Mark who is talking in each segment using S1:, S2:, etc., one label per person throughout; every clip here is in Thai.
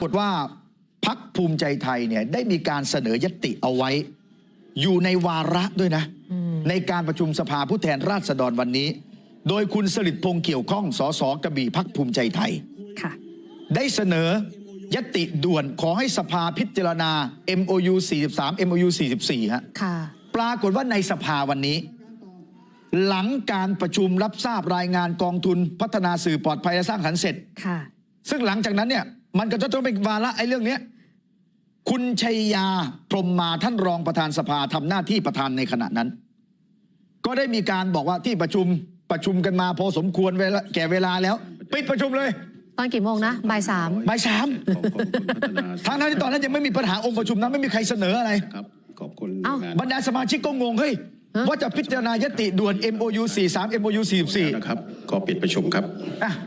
S1: ากฏว่าพรรคภูมิใจไทยเนี่ยได้มีการเสนอยติเอาไว้อยู่ในวาระด้วยนะในการประชุมสภาผู้แทนราษฎรวันนี้โดยคุณสฤษดิ์พงษ์เกี่ยวข้องสสกระบี่พรรคภูมิใจไทยได้เสนอยติด่วนขอให้สภาพิจารณา MOU 43 MOU 44ฮะปรากฏว่าในสภาวันนี้หลังการประชุมรับทราบรายงานกองทุนพัฒนาสื่อปลอดภัยและสร้างสรรค์เสร็จซึ่งหลังจากนั้นเนี่ยมันก็จะต้องเป็นวาระไอ้เรื่องนี้คุณชัยยาพรหมมาท่านรองประธานสภาทำหน้าที่ประธานในขณะนั้นก็ได้มีการบอกว่าที่ประชุมกันมาพอสมควรแก่เวลาแล้วปิดประชุมเลย
S2: ตอนกี่โมงนะบ่ายสาม
S1: ทั้งที่ตอนนั้นยังไม่มีปัญหาองค์ประชุมนั้นไม่มีใครเสนออะไร
S3: ขอบคุณ
S1: บรรดาสมาชิกก็งงเฮ้ยว่าจะพิจารณายติด่วน MOU 43 MOU 44
S3: นะครับก็ปิดประชุมครับ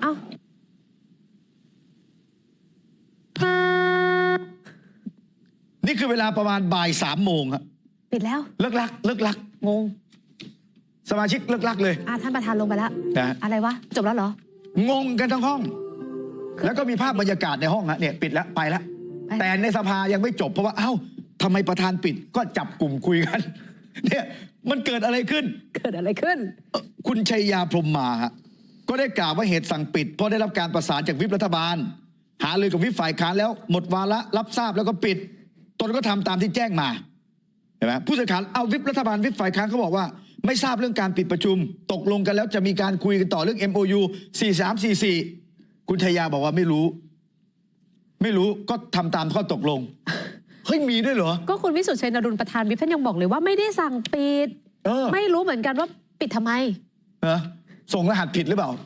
S1: นี่คือเวลาประมาณบ่าย3 โมงครับ
S2: ปิดแล้ว
S1: เลิกลัก
S2: งง
S1: สมาชิกเลิกลักเลย
S2: ท่านประธานลงไปแล้วอะไรวะจบแล้วเหร
S1: องงกันทั้งห้องแล้วก็มีภาพบรรยากาศในห้องเนี่ยปิดแล้วไปแล้วแต่ในสภายังไม่จบเพราะว่าเอ้าทำไมประธานปิดก็จับกลุ่มคุยกันเนี่ยมันเกิดอะไรขึ้นคุณชัยยาพรหมมาก็ได้กล่าวว่าเหตุสั่งปิดเพราะได้รับการประสานจากวิปรัฐบาลหารือกับวิปฝ่ายค้านแล้วหมดวาระรับทราบแล้วก็ปิดตนก็ทำตามที่แจ้งมาเห็นไหมผู้สื่อข่าวเอาวิปรัฐบาลวิปฝ่ายค้านเขาบอกว่าไม่ทราบเรื่องการปิดประชุมตกลงกันแล้วจะมีการคุยกันต่อเรื่อง MOU 43 44คุณชัยยาบอกว่าไม่รู้ก็ทำตามข้อตกลงเฮ้ยมีด้วยเหรอ
S2: ก็คุณวิสุทธิ์ชัยนรุนประธานวิปท่านยังบอกเลยว่าไม่ได้สั่งปิดไม่รู้เหมือนกันว่าปิดทำไม
S1: ส่งรหัสผิดหรือเปล่า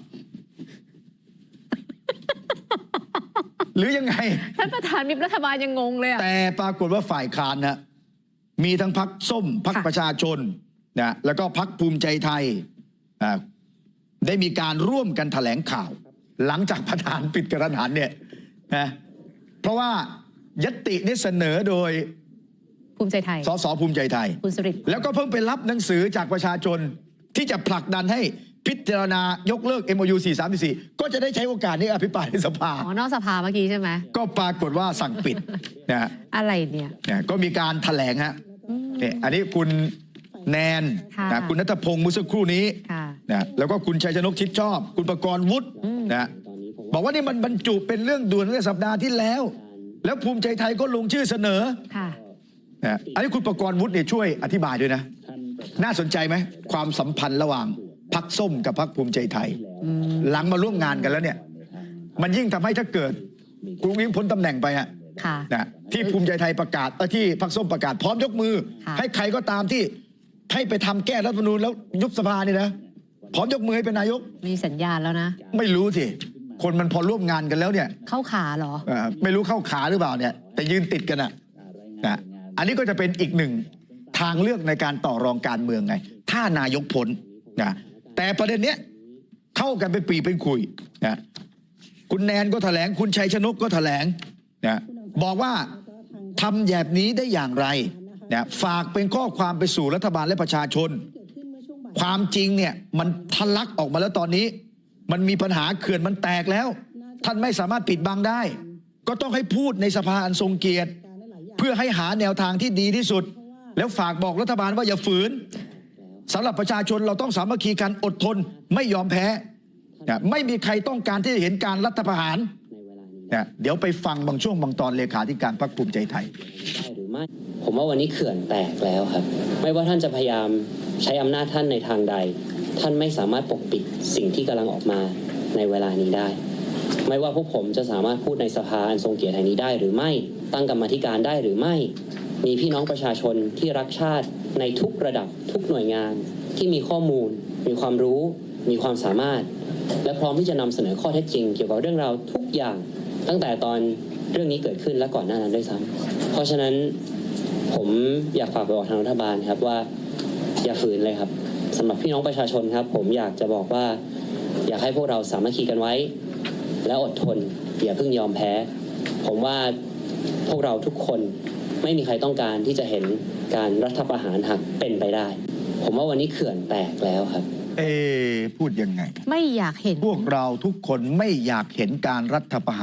S1: หรือยังไง
S2: ท่านประธานวิปรัฐบาลยังงงเลย
S1: แต่ปรากฏว่าฝ่ายค้านนะมีทั้งพรรคส้มพรรคประชาชนนะแล้วก็พรรคภูมิใจไทยได้มีการร่วมกันแถลงข่าวหลังจากประธานปิดกระทันเนี่ยนะเพราะว่ายตินี้เสนอโดย
S2: ภูมิใจไทย
S1: สสภูมิใจไทย
S2: คุณสฤษดิ์
S1: แล้วก็เพิ่งไปรับหนังสือจากประชาชนที่จะผลักดันให้พิจารณายกเลิก MOU 43 ก็จะได้ใช้โอกาสนี้อภิปรายในสภาน
S2: อกสภาเมื่อกี้ใช่ไหม
S1: ก็ปรากฏว่าสั่งปิดนะ
S2: อะไรเนี่ย
S1: ก็มีการแถลงฮะเนี่ยอันนี้คุณแนนนะคุณณัฐพงศ์เมื่อสักครู่นี้นะแล้วก็คุณชัยชนกชิดชอบคุณประกรณ์วุฒินะบอกว่านี่มันบรรจุเป็นเรื่องด่วนเมื่อสัปดาห์ที่แล้วภูมิใจไทยก็ลงชื่อเสนอนะอันนี้คุณประกรณ์วุฒิเนี่ยช่วยอธิบายด้วยนะน่าสนใจไหมความสัมพันธ์ระหว่างพรรคส้มกับพรรคภูมิใจไทยหลังมาร่วมงานกันแล้วเนี่ยมันยิ่งทำให้ถ้าเกิดคุณยิ่งพ้นตำแหน่งไปนะที่ภูมิใจไทยประกาศที่พรรคส้มประกาศพร้อมยกมือให้ใครก็ตามที่ให้ไปทำแก้รัฐธรรมนูญแล้วยุบสภานี่นะพร้อมยกมือให้เป็นนายก
S2: มีสัญญาณแล้วนะ
S1: ไม่รู้สิคนมันพอร่วมงานกันแล้วเนี่ย
S2: เข้าขาเหรอ
S1: ไม่รู้เข้าขาหรือเปล่าเนี่ยแต่ยืนติดกันนะอันนี้ก็จะเป็นอีกหนึ่งทางเลือกในการต่อรองการเมืองไงถ้านายกพ้นนะแต่ประเด็นเนี้ยเข้ากันเป็นปีเป็นคุยนะคุณแนนก็แถลงคุณชัยชนกก็แถลงนะบอกว่าทำแบบนี้ได้อย่างไรนะฝากเป็นข้อความไปสู่รัฐบาลและประชาชนความจริงเนี่ยมันทะลักออกมาแล้วตอนนี้มันมีปัญหาเขื่อนมันแตกแล้วท่านไม่สามารถปิดบังได้ก็ต้องให้พูดในสภาอันทรงเกียรติเพื่อให้หาแนวทางที่ดีที่สุดแล้วฝากบอกรัฐบาลว่าอย่าฝืนสำหรับประชาชนเราต้องสามัคคีกันอดทนไม่ยอมแพ้ไม่มีใครต้องการที่จะเห็นการรัฐประหารเดี๋ยวไปฟังบางช่วงบางตอนเลขาธิการพรรคภูมิใจไทย
S4: หรือไม่ผมว่าวันนี้เขื่อนแตกแล้วครับไม่ว่าท่านจะพยายามใช้อำนาจท่านในทางใดท่านไม่สามารถปกปิดสิ่งที่กำลังออกมาในเวลานี้ได้ไม่ว่าพวกผมจะสามารถพูดในสภาอันทรงเกียรติแห่งนี้ได้หรือไม่ตั้งกรรมาธิการได้หรือไม่มีพี่น้องประชาชนที่รักชาติในทุกระดับทุกหน่วยงานที่มีข้อมูลมีความรู้มีความสามารถและพร้อมที่จะนำเสนอข้อเท็จจริงเกี่ยวกับเรื่องราวทุกอย่างตั้งแต่ตอนเรื่องนี้เกิดขึ้นและก่อนหน้านั้นด้วยซ้ำเพราะฉะนั้นผมอยากฝากไปบอกทางรัฐบาลครับว่าอย่าฝืนเลยครับสำหรับพี่น้องประชาชนครับผมอยากจะบอกว่าอยากให้พวกเราสามัคคีกันไว้และอดทนอย่าเพิ่งยอมแพ้ผมว่าพวกเราทุกคนไม่มีใครต้องการที่จะเห็นการรัฐประหารหากเป็นไปได้ผมว่าวันนี้เขื่อนแตกแล้วครับ
S1: พูดยังไง
S2: ไม่อยากเห็น
S1: พวกเราทุกคนไม่อยากเห็นการรัฐประหาร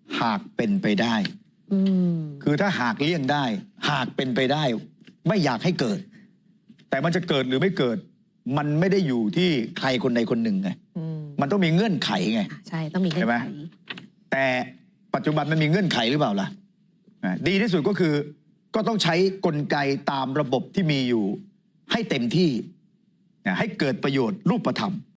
S1: หากเป็นไปได้
S2: อืม
S1: คือถ้าหากเลี่ยงได้ หากเป็นไปได้ ไม่อยากให้เกิด แต่มันจะเกิดหรือไม่เกิด มันไม่ได้อยู่ที่ใครคนใดคนหนึ่งไง
S2: อืม
S1: มันต้องมีเงื่อนไขไง
S2: ใช่ต้องมีเงื่อ
S1: ใช่
S2: น
S1: ไหม
S2: ไข
S1: แต่ปัจจุบันมันมีเงื่อนไขหรือเปล่าล่ะดีที่สุดก็คือก็ต้องใช้กลไกตามระบบที่มีอยู่ให้เต็มที่ให้เกิดประโยชน์รูปธรรม